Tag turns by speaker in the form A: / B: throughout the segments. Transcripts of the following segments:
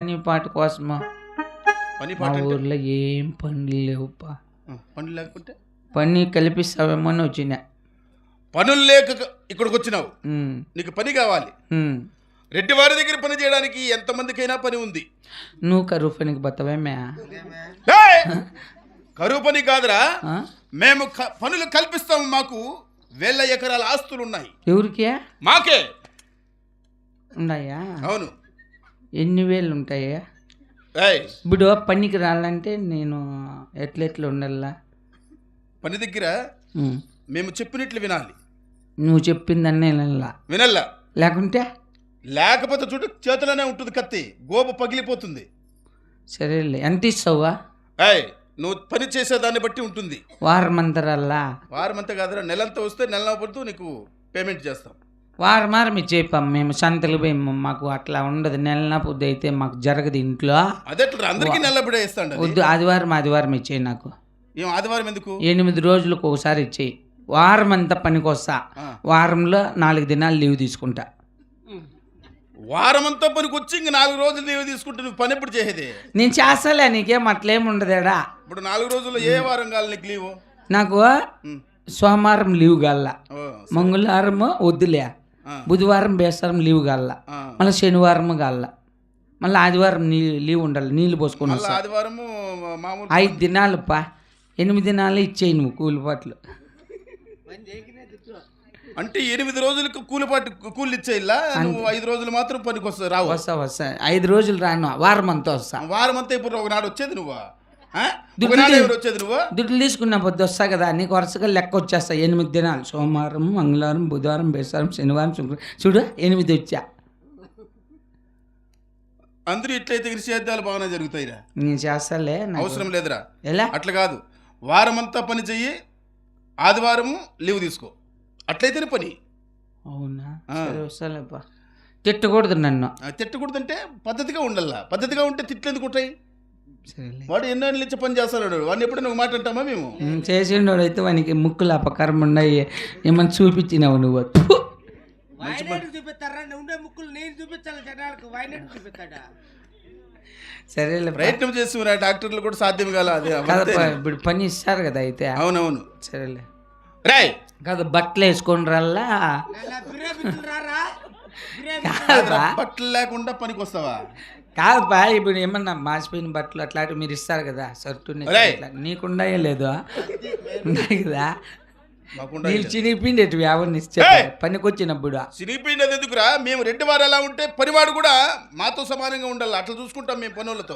A: పని పాట కోసమా
B: పని
A: మా
B: పాట అంటే?
A: ఊర్లో ఏం పనులు లేవుపా.
B: పనులు లేకుంటే
A: పని కల్పిస్తావేమో అని వచ్చిన.
B: పనులు లేక ఇక్కడికి వచ్చినావు. నీకు పని కావాలి. రెడ్డి వారి దగ్గర పని చేయడానికి ఎంతమందికైనా పని ఉంది.
A: నువ్వు కరువు పనికి బతవేమే?
B: ఏయ్! కరువు పని కాదురా, మేము పనులు కల్పిస్తాము. మాకు 1000 ఎకరాల ఆస్తులు ఉన్నాయి.
A: ఎవరికే?
B: మాకే
A: ఉన్నాయా?
B: అవును.
A: ఎన్ని వేలు ఉంటాయా?
B: ఏయ్!
A: ఇప్పుడు పనికి రాలంటే నేను ఎట్లెట్లా ఉండాలా?
B: పని దగ్గర మేము చెప్పినట్లు వినాలి.
A: నువ్వు చెప్పిందన్నే
B: వినల్లా.
A: లేకపోతే
B: చూడు, చేతిలోనే ఉంటుంది కత్తి, గోప పగిలిపోతుంది.
A: సరేలే, ఎంత ఇస్తావా?
B: ఏయ్, నువ్వు పని చేసేదాన్ని బట్టి ఉంటుంది.
A: వారం అంతరల్లా?
B: వారం అంతా కాదురా, నెలంతా వస్తే నెల పడుతూ నీకు పేమెంట్ చేస్తాం.
A: వారం ఇచ్చేపాం. మేము సంతలు పోయి మాకు అట్లా ఉండదు. నెల పొద్దు అయితే మాకు జరగదు ఇంట్లో.
B: అదెట్లా అందరికీ నెలబడే ఇస్తాండి?
A: వద్దు, ఆదివారం ఇచ్చేయి నాకు.
B: ఏం ఆదివారం ఎందుకు?
A: 8 రోజులకు ఒకసారి ఇచ్చేయి. వారం అంతా పనికి వస్తా, వారంలో 4 దినాలు లీవ్ తీసుకుంటా.
B: వారం అంతా పనికి వచ్చి ఇంక 4 రోజులు లీవ్ తీసుకుంటే నువ్వు పని ఎప్పుడు చేసేది?
A: నేను చేస్తాలే, నీకేం అట్లేం ఉండదేడా.
B: ఇప్పుడు 4 రోజుల్లో ఏ వారం కావాలి నీకు లీవు?
A: నాకు సోమవారం లీవ్ కాల, మంగళవారం వద్దులే, బుధవారం బేస్తారం లీవ్ కాల, మళ్ళీ శనివారం కాల, మళ్ళీ ఆదివారం లీవ్ ఉండాలి. నీళ్ళు పోసుకొని వస్తా.
B: ఆదివారము
A: 5 దినాలు 8 దినాలు ఇచ్చేయి నువ్వు కూలిపాట్లు.
B: అంటే 8 రోజులకు కూలి ఇచ్చేయిలా? నువ్వు 5 రోజులు మాత్రం పనికి వస్తా రావు?
A: వస్తా 5 రోజులు రాను, వారం అంతా వస్తా.
B: వారం అంతా ఇప్పుడు ఒకనాడు వచ్చేది నువ్వు? వచ్చేది నువ్వు?
A: దుడ్లు తీసుకున్న పొద్దు వస్తా కదా, నీకు వరుసగా లెక్క వచ్చేస్తా. 8 దినాలు, సోమవారం, మంగళవారం, బుధవారం, బేస్తారం, శనివారం, శుక్రవారం, చూడు 8 వచ్చా.
B: అందరూ ఇట్లయితే సేద్యాలు బాగానే జరుగుతాయిరా.
A: నేను చేస్తాలే,
B: అవసరం లేదురా.
A: ఎలా?
B: అట్లా కాదు, వారం అంతా పని చెయ్యి, ఆదివారము లీవ్ తీసుకో, అట్లయితేనే పని.
A: అవునా? వస్తాలేపా. తిట్టకూడదు నన్ను.
B: తిట్టకూడదంటే పద్ధతిగా ఉండాలా. పద్ధతిగా ఉంటే తిట్లు ఎందుకు ఉంటాయి? వాడు ఎన్నో ఇచ్చి పని చేస్తాడు, వాడిని ఎప్పుడు నువ్వు మాట అంటామా? మేము
A: చేసిండోడు అయితే వానికి ముక్కులు అపకారం ఉన్నాయి. ఏమన్నా చూపించినావు నువ్వు? సరేలే,
B: ప్రయత్నం చేస్తున్నా. డాక్టర్లు కూడా సాధ్యం కాల.
A: ఇప్పుడు పని ఇస్తారు కదా అయితే.
B: అవునవును.
A: సరేలే
B: రాయ్
A: కాదు, బట్టలు వేసుకొని రల్లా.
B: బట్టలు లేకుండా పనికి వస్తావా?
A: కాదుపా, ఇప్పుడు ఏమన్నా మాసిపోయిన బట్టలు అట్లాంటివి మీరు ఇస్తారు కదా, షర్టు నీకుండాయే లేదు ఉన్నాయి కదా. నీళ్ళు చినిపిండేటివి ఎవరిని పనికి వచ్చినప్పుడు.
B: చినిపిండేది ఎందుకురా? మేము రెడ్డి వారు ఎలా ఉంటే పనివాడు కూడా మాతో సమానంగా ఉండాలి. అట్లా చూసుకుంటాం మేము పనులతో.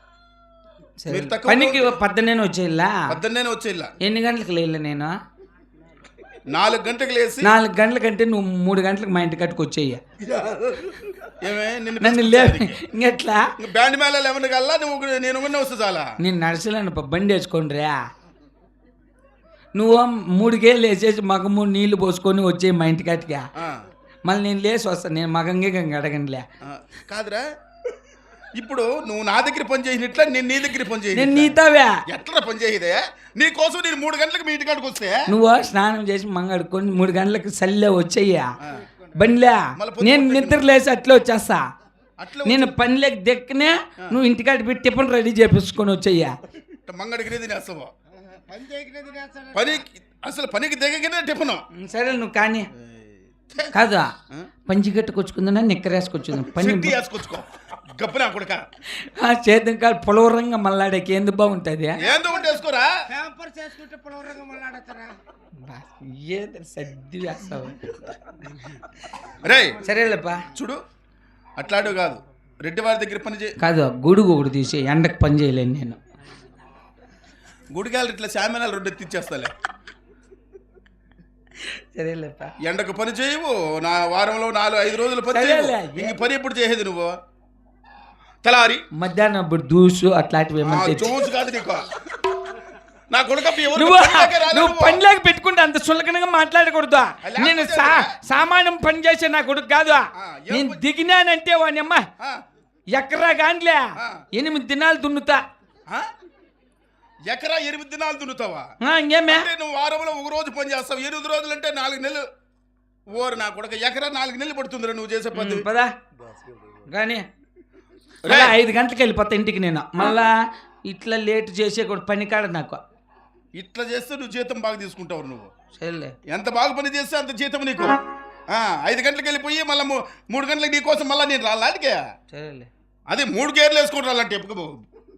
A: పనికి 12 వచ్చేలా.
B: 12 వచ్చేలా.
A: ఎన్ని గంటలకు లేలే? నేను
B: 4 గంటలకు లేసి.
A: 4 గంటల కంటే నువ్వు 3 గంటలకు మా ఇంటి కట్టుకు వచ్చేయ్యా.
B: నన్ను
A: ఇంకెట్లా?
B: బ్యాండ్ మేళ ఏమన్నా కల్లా నువ్వు నేను వస్తే చాలా.
A: నేను నడుచులేను, బండి వేసుకోండి రా. నువ్వు 3 గేలు వేసేసి మగము నీళ్లు పోసుకొని వచ్చే మా ఇంటి కట్టుగా. మళ్ళీ నేను లేచి వస్తాను. నేను మగంగే అడగండిలే.
B: కాదురా, ఇప్పుడు నువ్వు నా దగ్గర పని చేసినట్లా నేను నీ దగ్గర పని చేయ.
A: నేను నీతావే
B: ఎట్లా పని చేయదే? నీ కోసం నేను 3 గంటలకు మీ ఇంటి కాడికి వస్తే
A: నువ్వు స్నానం చేసి మంగడుకొని 3 గంటలకు సల్లే వచ్చేయ్యా బండిలే. నేను నిద్ర లేసి అట్లా వచ్చేస్తా. నేను పనిలోకి దెక్కనే నువ్వు ఇంటికాడ పెట్టి టిఫిన్ రెడీ చేపించుకొని వచ్చేయ్యా.
B: మంగడికి తినేస్తావా? అసలు పనికి దిగనే టిఫిన్.
A: సరే నువ్వు కానీ కాదా, పంచి కట్టుకొచ్చుకుందా నిక్కరేసుకొచ్చుందా? పని
B: వేసుకొచ్చుకో గప్పనా కొడుక.
A: చేద్దాం కాదు, పొలవరంగా మళ్ళాడకి ఎందుకు బాగుంటుంది? సర్ది వేస్తావు. సరేలేపా,
B: చూడు అట్లాడు కాదు, రెడ్డి వారి దగ్గర పని చేయ
A: కాదు. గొడుగు ఒకటి తీసి ఎండకు పని చేయలేను నేను.
B: గుడికాయలు ఇట్లా శామినాలు 2 ఎత్తిచ్చేస్తాలే.
A: సరేలేపా,
B: ఎండకు పని చేయవు. నా వారంలో 4-5 రోజులు పని చేయవు. ఇంక పని ఎప్పుడు చేసేది నువ్వు? తెలారి
A: మధ్యాహ్నం ఇప్పుడు దూసు అట్లాంటివి
B: చూసు కాదు నీకు. నా కొడుకు
A: నువ్వు పనిలాగా పెట్టుకుంటే అంత సులకనగా మాట్లాడకూడదు. నేను సామాన్యం పని చేసే నా కొడుకు కాదు. నేను దిగినానంటే వాని అమ్మ ఎకరా గాండ్లే 8 దినాలు దున్నుతా.
B: ఎకరా 8 దినాలు దున్నుతావా?
A: ఇంకేమే?
B: నువ్వు వారంలో 1 రోజు పని చేస్తావు. 8 రోజులు అంటే 4 నెలలు. ఓరు నా కొడుకు, ఎకరా 4 నెలలు పడుతుందిరా నువ్వు చేసే పని.
A: పదా కానీ మళ్ళా 5 గంటలకు వెళ్ళిపోతా ఇంటికి నేను. మళ్ళా ఇట్లా లేట్ చేసే కూడా పని కాడ నాకు.
B: ఇట్లా చేస్తే నువ్వు జీతం బాగా తీసుకుంటావు. నువ్వు
A: సరేలే,
B: ఎంత బాగా పని చేస్తే అంత జీతం నీకు. 5 గంటలకు వెళ్ళిపోయి మళ్ళీ 3 గంటలకు నీ కోసం మళ్ళీ నేను రాలాడికే.
A: సరేలే,
B: అదే 3 గేర్లు వేసుకుని రాలంటే ఎప్పుకో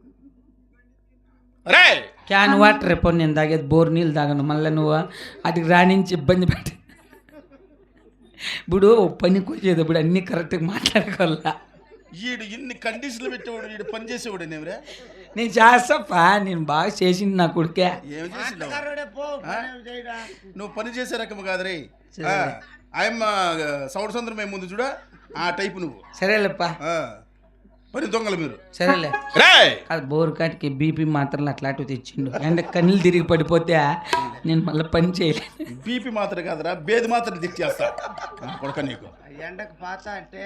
B: రే.
A: క్యాన్ వాటర్ రేపు నేను తాగేది బోర్ నీళ్ళు తాగను. మళ్ళీ నువ్వు అటుకి రాణించి ఇబ్బంది పెట్టి ఇప్పుడు పనికి వచ్చేది ఇప్పుడు అన్నీ కరెక్ట్గా మాట్లాడుకోవాలా.
B: వీడు ఇన్ని కండిషన్లు పెట్టేవాడు, వీడు పని చేసేవాడు. నేవరే
A: నేను చేస్తాపా, నేను బాగా చేసింది నా కొడుకే.
B: ఏమి చేసినావు? నువ్వు పని చేసే రకం కాదు రే. ఆయమ్మ సౌడ సందరం మేము ముందు చూడ ఆ టైపు నువ్వు.
A: సరేలేప్పా,
B: పని దొంగలు మీరు.
A: సరేలే, అది బోర్ కాటికి బీపీ మాత్రలు అట్లాంటివి తెచ్చిండు. అంటే కన్నీళ్ళు తిరిగి పడిపోతే నేను మళ్ళీ పని చేయలేను.
B: బీపీ మాత్రం కాదురా, బేది మాత్రం తెచ్చేస్తా కొడక నీకు.
C: ఎండకు పాత అంటే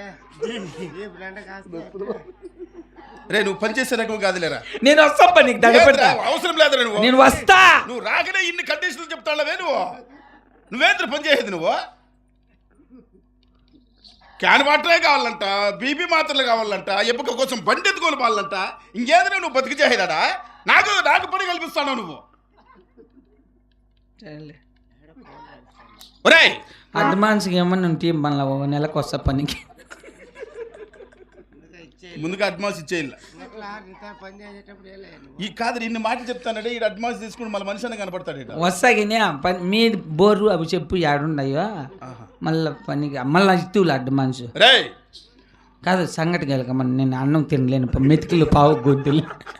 B: రే నువ్వు పని చేసే రకం కాదులేరా.
A: నేను వస్తా పనికి దగ్గర
B: అవసరం లేదురా. నువ్వు
A: నేను వస్తా.
B: నువ్వు రాకనే ఇన్ని కండిషన్లు చెప్తావే. నువ్వేంద్ర పని చేసేది నువ్వు. క్యాన్ వాటరే కావాలంట, బీపీ మాత్రలు కావాలంట, ఎప్పుక కోసం బండి ఎత్తుకోని వాళ్ళంట. ఇంకేదైనా నువ్వు బతికి చేసేదాడా? నాకు పని కల్పిస్తాను నువ్వు. ఒరేయ్
A: అడ్వాన్స్కి ఏమన్నా ఉంటే మళ్ళీ నెలకు వస్తా పనికి.
B: ముందుగా అడ్వాన్స్ ఇచ్చేయాలి.
C: పని చేసేటప్పుడు
B: ఈ కాదు ఇన్ని మాటలు చెప్తానంటే ఈ అడ్వాన్స్ తీసుకుని మళ్ళీ మనిషి కనపడతాడు.
A: వస్తాగినే పని మీ బోర్రు అవి చెప్పు ఏడున్నాయో మళ్ళీ పనికి మళ్ళీ ఇస్తువులు అడ్వాన్స్ కాదు. సంగటి కలగమని నేను అన్నం తినలేను. మెతుకులు పావు గొంతులు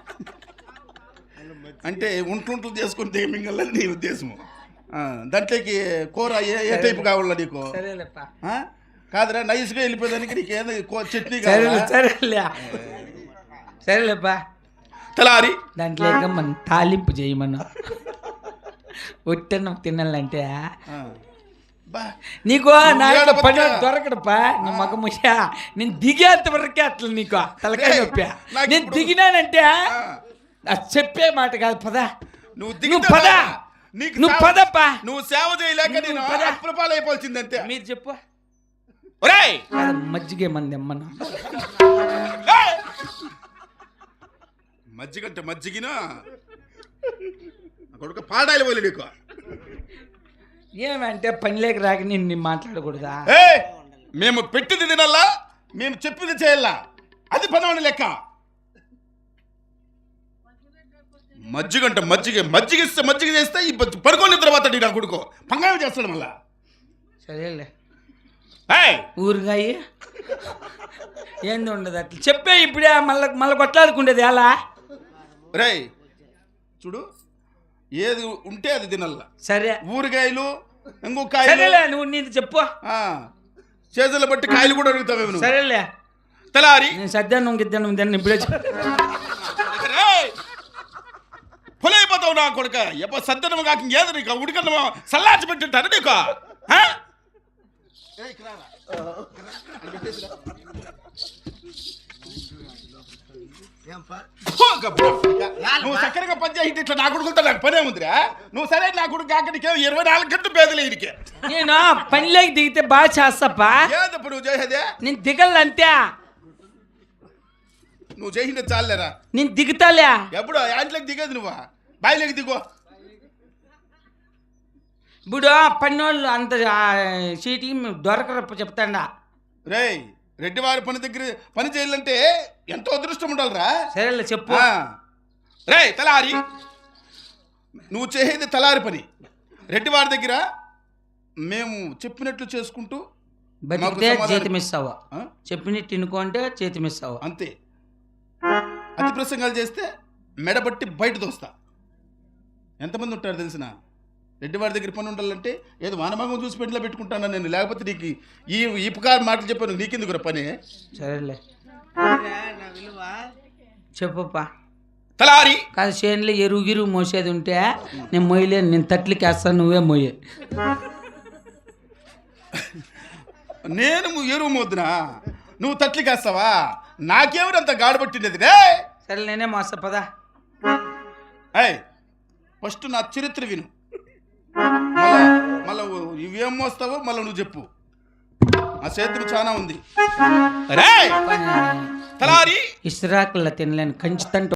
B: అంటే ఉంట్లు చేసుకుంటే మింగలని నీ ఉద్దేశము. దాంట్లోకి కూర ఏ టైపు కావాలా నీకు? కాదురా నైస్గా వెళ్ళిపోయేదానికి నీకు ఏదో చట్నీ
A: సరేలేపా.
B: తలారి
A: దాంట్లో మనం తాలింపు చేయమన్నా. ఒట్టన్నం తినాలంటే నీకు నాకు పని దొరకడపా. నీ మగ ముషా నేను దిగేంత వరకే అట్లా నీకు తలకాయ నొప్పా. నేను దిగినానంటే చెప్పే మాట కాదు. పదా నువ్వు పదా, నువ్వు పదప్పా.
B: నువ్వు సేవ చేయలేక నేను అప్రపాలు అయిపోవాల్సిందంతే.
A: మీరు చెప్పు. మజ్జిగే మంది అమ్మన్నా.
B: మజ్జిగంటే మజ్జిగినా కొడుకు పాడాలి పోలే నీకు.
A: ఏమంటే పని లేక రాక నిన్ను మాట్లాడకూడదా?
B: మేము పెట్టింది తినల్లా, మేము చెప్పింది చేయాలా. అది పనవని లెక్క. మజ్జిగంట మజ్జిగిస్తే మజ్జిగ చేస్తే ఈ పడుకోని తర్వాత నా కొడుకు పంగాయం చేస్తాడు మళ్ళా.
A: సరేలే, ఊరుగాయి ఏంది ఉండదు అట్లా చెప్పే. ఇప్పుడే మళ్ళీ కొట్లాడుకుండేది ఎలా?
B: రే చూడు, ఏది ఉంటే అది తినల్లా.
A: సరే,
B: ఊరగాయలు ఇంకొక
A: సరేలే, నువ్వు నీది చెప్పు.
B: చేతులు బట్టి కాయలు కూడా అడుగుతావే.
A: సరేలే,
B: తలారి
A: నేను సద్యాన్ని ఇంకిద్దాను దాన్ని ఇప్పుడే
B: పొలైపోతావు నా కొడుక. ఎప్ప సద్దనం కాక ఏదో నీకు ఉడికన్నమో సల్లాచి పెట్టింటారు నీకు. నువ్వు చక్కరగా పని చేసి ఇట్లా నా కొడుకులతో నాకు పనే ఉందిరా. నువ్వు సరే నా కొడుకు కాకడికే 24 గంటలు పేదలే ఇడికే.
A: నేను పనిలోకి దిగితే బాగా చేస్తాపా.
B: ఏదప్పుడు నువ్వు చేసేదే?
A: నేను దిగలంతే.
B: నువ్వు చేసింది చాలేరా.
A: నేను దిగుతాలే.
B: ఎప్పుడు యాంట్లోకి దిగేది నువ్వు? బాయిలోకి దిగో.
A: ఇప్పుడు పన్నోళ్ళు అంత సీటీ దొరకరప్ప చెప్తాడా.
B: రేయ్ రెడ్డివారి పని దగ్గర పని చేయాలంటే ఎంతో అదృష్టం ఉండాలిరా.
A: సరేలే చెప్పు.
B: రేయ్ తలారి, నువ్వు చేసేది తలారి పని. రెడ్డివారి దగ్గర మేము చెప్పినట్లు చేసుకుంటూ
A: బతికితే చేతి ఇస్తావు, చెప్పినట్టు తినుకుంటే చేతి ఇస్తావు
B: అంతే. అతి ప్రసంగాలు చేస్తే మెడబట్టి బయట దోస్తా. ఎంతమంది ఉంటారు తెలిసిన? రెడ్డివాడి దగ్గర పని ఉండాలంటే ఏదో వానభాగం చూసి పెంట్లో పెట్టుకుంటాను నేను. లేకపోతే నీకు ఈ పుకారు మాటలు చెప్పాను, నీకెందుకు పని?
A: సరేలే చెప్పుపా.
B: తలారి
A: కాదు, చేనులో ఎరువు మోసేది ఉంటే నేను మొయ్యలేను. నేను తట్లకి వేస్తాను, నువ్వే మొయ్యి.
B: నేను ఎరువు మోద్దునా, నువ్వు తట్లకి వేస్తావా? నాకేమో గాడబట్టినది రే.
A: సరే నేనే మోస్తా పదా.
B: ఫస్ట్ నా చరిత్ర విను, మళ్ళా ఇవేం మోస్తావో మళ్ళీ నువ్వు చెప్పు. ఆ చేతులు చాలా ఉంది.
D: తలారి
A: ఇసురాకుల్లా తినలేను కంచుతంట